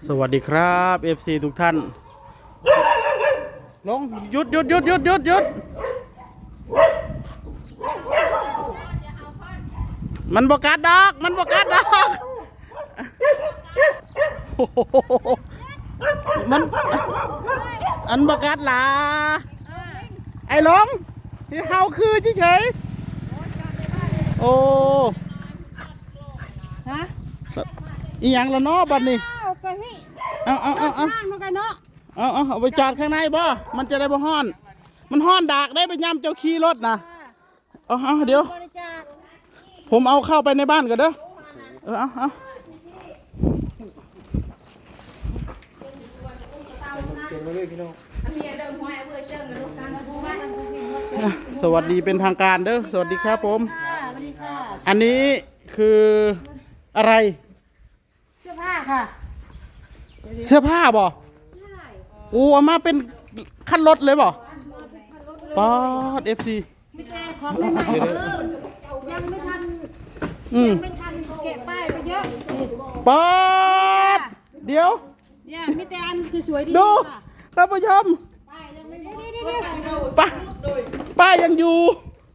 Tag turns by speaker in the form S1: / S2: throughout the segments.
S1: สวัสดีครับ FC ทุกท่านลงหยุดมันบกัดดอกโอ้โหมันอันบกัดล่ะไอ้หลงที่เฮาคือเฉยๆโอ้
S2: ฮะ
S1: อีหยังละเนาะบัดนี้
S2: เอาไปพี่
S1: เอา
S2: มันกันเนาะ
S1: เอาไปจอดข้างในบ่มันจะได้บ่ฮ้อนมันฮ้อนดากได้ไปย่ำเจ้าขี่รถนะเอาเดี๋ยวผมเอาเข้าไปในบ้านก่อนเด้อเอาสวัสดีเป็นทางการเด้อสวัสดีครับผมอันนี้คืออะไร
S2: เสื้อผ้าค่ะ
S1: เสื้อผ้าบ่โอ้เอามาเป็นขั้นรถเลยบ่ป๊อด FC
S2: ไม่แก้ของไม่ใหม่ยังไม่ทันแกะป้ายไปเยอะ
S1: ป๊อดเดี๋ยว
S2: เนี่ยมีแต่อันสวยๆดี
S1: ดูท่านผู้ชม
S2: ป้ายยังไม่
S1: ป้ายยังอยู่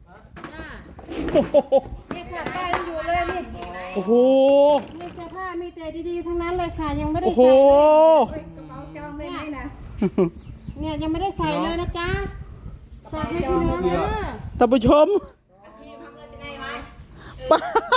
S2: เนี่ยค่ะป้ายยังอยู่เลยนี่
S1: โอ้โห
S2: มีเสื้อผ้ามีแต่ดีๆทั้งนั้นเลยค่ะยังไม่ได้
S1: ใส่
S2: จองได้ไหมนะเนี่ยยังไม่ได้ใส่เลยนะจ๊ะฝากให้พี่น้องนะ
S1: ท่านผู้ชมไป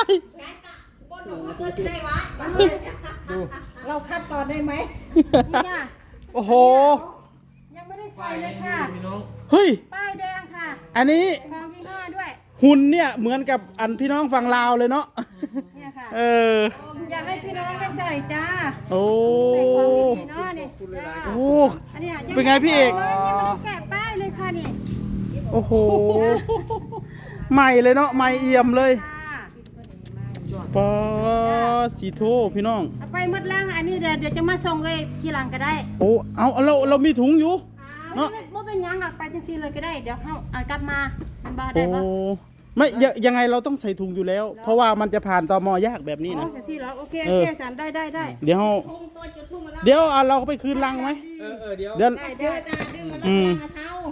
S2: เราคัดก่อนได้ไหม
S1: โอ้โห
S2: ยังไม่ได้ใส่เลยค่ะ
S1: เฮ้ย
S2: ป้ายแดงค่ะ
S1: อันนี้
S2: ของยี่ห้อด้วย
S1: หุ่นเนี่ยเหมือนกับอันพี่น้องฝั่งลาวเลยเนาะ
S2: เนี่ยค่ะอยากให้พี่น้องได้ใส่จ้า
S1: โอ้
S2: ใส่ของดีๆเนาะนี่
S1: โอ้เป็นไงพี่เอก
S2: ยังไม่ได้แกะป้ายเลยค่ะนี่
S1: โอ้โหใหม่เลยเนาะใหม่เอี่ยมเลยปอสีโทพี่น้อง
S2: เอาไปหมดล่างอันนี้เดี๋ยวจะมาส่งเลยทีหลังก็ได้
S1: โอ้เอาเรามีถุงอยู่
S2: เนาะไม่เป็นยังไปจังซี่เลยก็ได้เดี๋ยวเอากลับมามันบ้าได้ปะ
S1: ไม่ยังไงเราต้องใส่ถุงอยู่แล้วเพราะว่ามันจะผ่านตม.ยากแบบนี้นะ
S2: จังซี่เหรอโอเคสารได้
S1: เดี๋ยวเราไปคืนลังไหมเดี๋ยว
S2: ดึงมาเท้า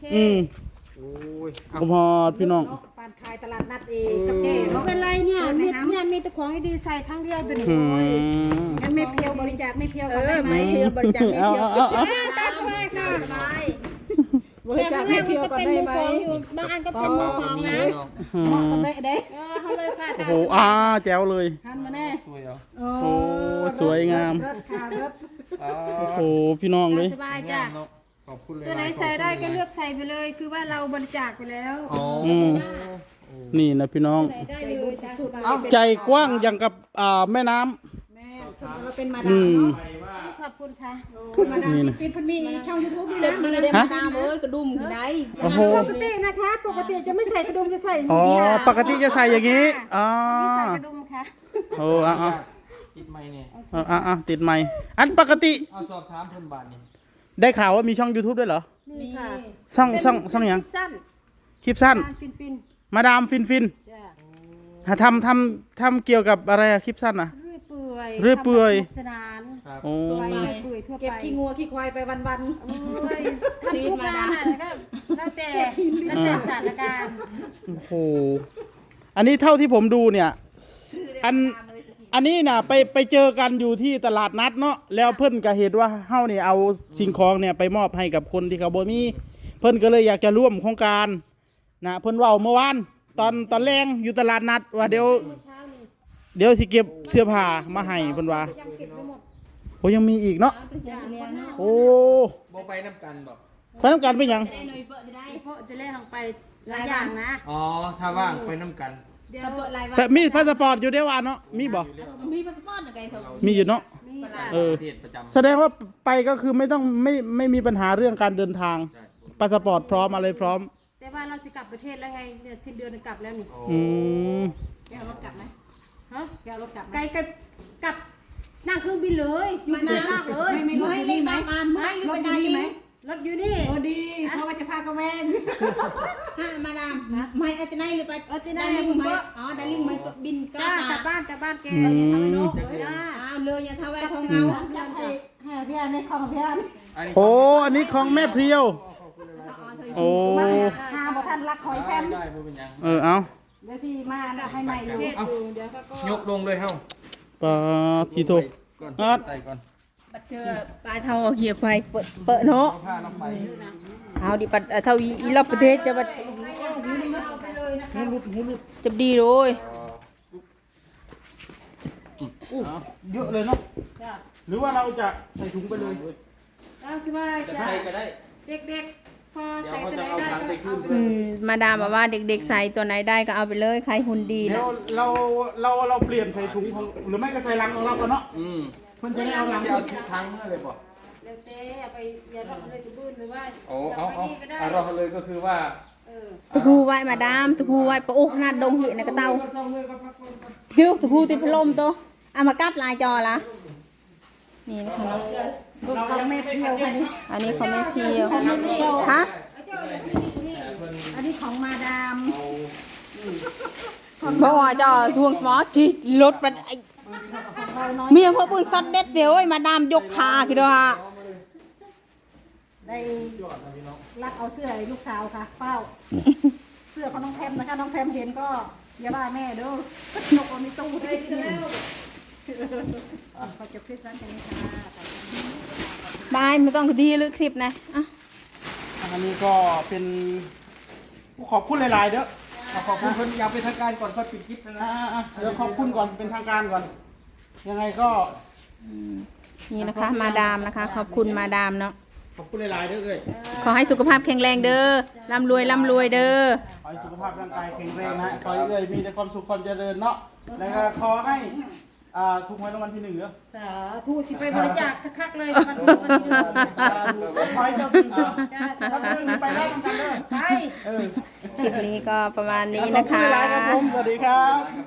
S1: พอพี่น้อง
S2: ปานขายตลาดนัดเองกับแก่ไม่เป็นไรเนี่ยมีแต่ของดีใส่ทั้งเดียวตัวนี้งั้นไม่เพียวบริจาคไม่เพียวกันได้ไหมบริจาคไม่เพียวตาสบายค่ะสบายบริจาคไม่เพียวกันได้ไหมบางอันก็เป็นมือสองนะเหมาะกับแม่เด้เขาเลยค่ะ
S1: โอ้โหแจ๋วเลย
S2: หันมาแน่
S1: โอ้สวยงามโอ้โหพี่น้องเลย
S2: สบายจ้ะตัวไหนใส่ได้ก็เลือกใส่ไปเลยคือว่าเราบริจาคไปแล้ว
S1: นี่นะพี่น้องใจกว้างอย่างกับแม่น้ำ
S2: เราเป็นมาดามขอบคุณค่ะมาดามเป็นมีช่อง YouTube นี่นะ
S3: มีได้มาดามกระดุมที่ไหน
S1: โอ้โห
S2: ปกตินะคะปกติจะไม่ใส่กระดุมจะใส่อย่าง
S1: นี้ปกติจะใส่อย่างนี้
S2: ใส่กระดุมค่ะ
S1: โอ้ติดไม้เนี่ยติดไม้อันปกติ
S3: เอาสอบถามเพิ่นบาทนี่
S1: ได้ข่าวว่ามีช่อง YouTube ด้วยเหรอ
S2: มีค่ะ
S1: ช่องยังคลิปสั้นมาดามฟินทำเกี่ยวกับอะไรคลิปสั้นนะเรื่อยเปื่อย
S2: สนาน
S1: โอ้
S2: เก็บขี้งัวขี้ควายไปวันๆชีวิตมาดามแล้วแต่สถานการณ์
S1: โอ้โหอันนี้เท่าที่ผมดูเนี่ยอันนี้นะไปเจอกันอยู่ที่ตลาดนัดเนาะแล้วเพิ่นก็เห็นว่าเฮาเนี่ยเอาสิ่งของเนี่ยไปมอบให้กับคนที่เขาบ่มีเพิ่นก็เลยอยากจะร่วมโครงการนะเพิ่นเว้าเมื่อวานตอนแรงอยู่ตลาดนัดว่าเดี๋ยวสิเก็บเสื้อผ้ามาให้เพิ่นว่าโอ้ยังมีอีกเนาะโอ้
S3: บ่ไปน้ำกันบ่
S1: ไปน้ำกันเป็นหยัง
S2: จะเล่นลงไปหลายอย่างนะ
S3: ถ้าว่างไปน้ำกัน
S1: แต่มีพาสปอร์ตอยู่เด้ว่าเนาะมีบ่
S2: มีพาสปอร์ตอะไร
S1: มีอยู่เนาะแสดงว่าไปก็คือไม่มีปัญหาเรื่องการเดินทางพาสปอร์ตพร้อมอะไรพร้อม
S2: แต่ว่าเราจะกลับประเทศแล้วไงเดือนสิ้นเดือนกลับแล้วนี่แกรถกลับไหมฮะแกรถกลับไกลกับนั่งเครื่องบินเลยอยู่นานมากเลย
S3: ไม่รถดีไหม
S2: รถดีไหมรถอยู่นี่
S3: โอ้ดีเพราะว่าจะพากระแวงมาดามไม่อาจจะได้หรือไปได้ลิงไหมได้ลิงไหมบินกลับ
S2: บ้านแก
S3: มีเลยอย่าทำแวทองเงา
S2: อยากให้พี่อันนี้ของพี่อัน
S1: โอ้อันนี้ของแม่เพรียว โอ้
S2: หาบ่ทันรักคอยแพม
S4: ได้บ่เป็นหยัง
S1: เอา
S2: เดี๋ยวสิมาให้ใหม่อยู่
S4: ยกลงเลยเฮา
S1: ปาทีโท
S4: ก่อน
S1: นัด
S4: ใส่ก่อน
S3: ปัดเจอปลายเท่าเอาเกียร์ควายเปิดเนาะ
S4: เอาผ้าลงไป
S3: เอาดิปัดเท่าอีรอบประเทศจะบัดจะดีเลย
S1: เยอะเลยเนาะหรือว่าเราจะใส่ถุงไปเลย
S2: เอาสิว่า
S4: จะ
S2: จะ
S4: ใส่ก็ได้
S2: เด็กๆพอ
S4: เดี๋ยว
S2: ใส่
S4: เขา
S2: ตัว
S4: จะ
S2: ไหน
S4: เอา
S2: ได้
S4: ถังไป
S2: ก็
S4: ขึ้น
S3: มาดามบอกว่าเด็กๆใส่ตัวไหนได้ก็เอาไปเลยใครหุ่นดี
S1: เดี๋ย
S3: นะ
S1: วเราเปลี่ยนใส่ถุงของหรือไม่ก็ใส่ลังของเราก่อนเนาะ
S4: อืม
S1: เพื่อนจะได้เอาลัง
S4: จะเอาทุกครั้งเลยบ่
S2: เดี๋ยวเจ๊เอาไปอย่ารอเลยตัวบื้นหรือว่า
S4: เอาเราเลยก็คือว่า
S3: ตะกูไว้มาดามตะกูไว้ปะโอ้ขนาดดงเห็นในกระเตาเดี๋ยวตะกูติดพัดลมตัวเอามากับลายจอละนี่นะคะเนาะ
S2: ของแม่เพียวค่ะนี่
S3: อันนี้เขาไม่เพียวฮะ
S2: อันนี้ของมาดาม
S3: บอกว่าจอทวงสมอจีรถมันไอ้เมียพ่อปืนซัดเด็ดเดียวไอ้มาดามยกขาคิดว่า
S2: ได้รักเอาเสื้อให้ลูกสาวค่ะเป้าเสื้อของน้องแพมนะคะน้องแพมเห็นก็อย่าว่าแม่เด้อนกเอาในตู้ได้แล้วขอจบคลิปสั้นแค่นี้ค่ะ
S3: บายไม่ต้องดีหรือคลิปนะอ่ะ
S1: อันนี้ก็เป็นขอบคุณหลายๆเด้อ
S4: ขอบคุณเพิ่นอยากเป็นทางการก่อนค่อยปิดคลิปนะ
S1: เดี๋ยวขอบคุณก่อนเป็นทางการก่อน ยังไงก็
S3: นี่นะคะ มาดามนะคะ ขอบคุณมาดามเนาะ
S1: ขอบคุณหลายๆเด้อเอ้ย
S3: ขอให้สุขภาพแข็งแรงเด้อร่ำรวยเด้อ
S1: ขอให้สุขภาพร่างกายแข็งแรงนะขอให้เอ้ยมีแต่ความสุขความเจริญเนาะแล้วก็ขอให้ถูกหวยรางวัลที่ 1เด้อ
S2: สาธุสิไปบริจาคคักๆเลยมัน
S1: ขอให้เจ้าถึงเด้อถ้าเรื่องนี้ไปได้ทำกันเด้อ
S2: ไป
S1: เออ
S3: คลิปนี้ก็ประมาณนี้
S1: ขอบ
S3: นะ
S1: คุณ
S3: คะ
S1: หลายๆครับผมสวัสดีครับ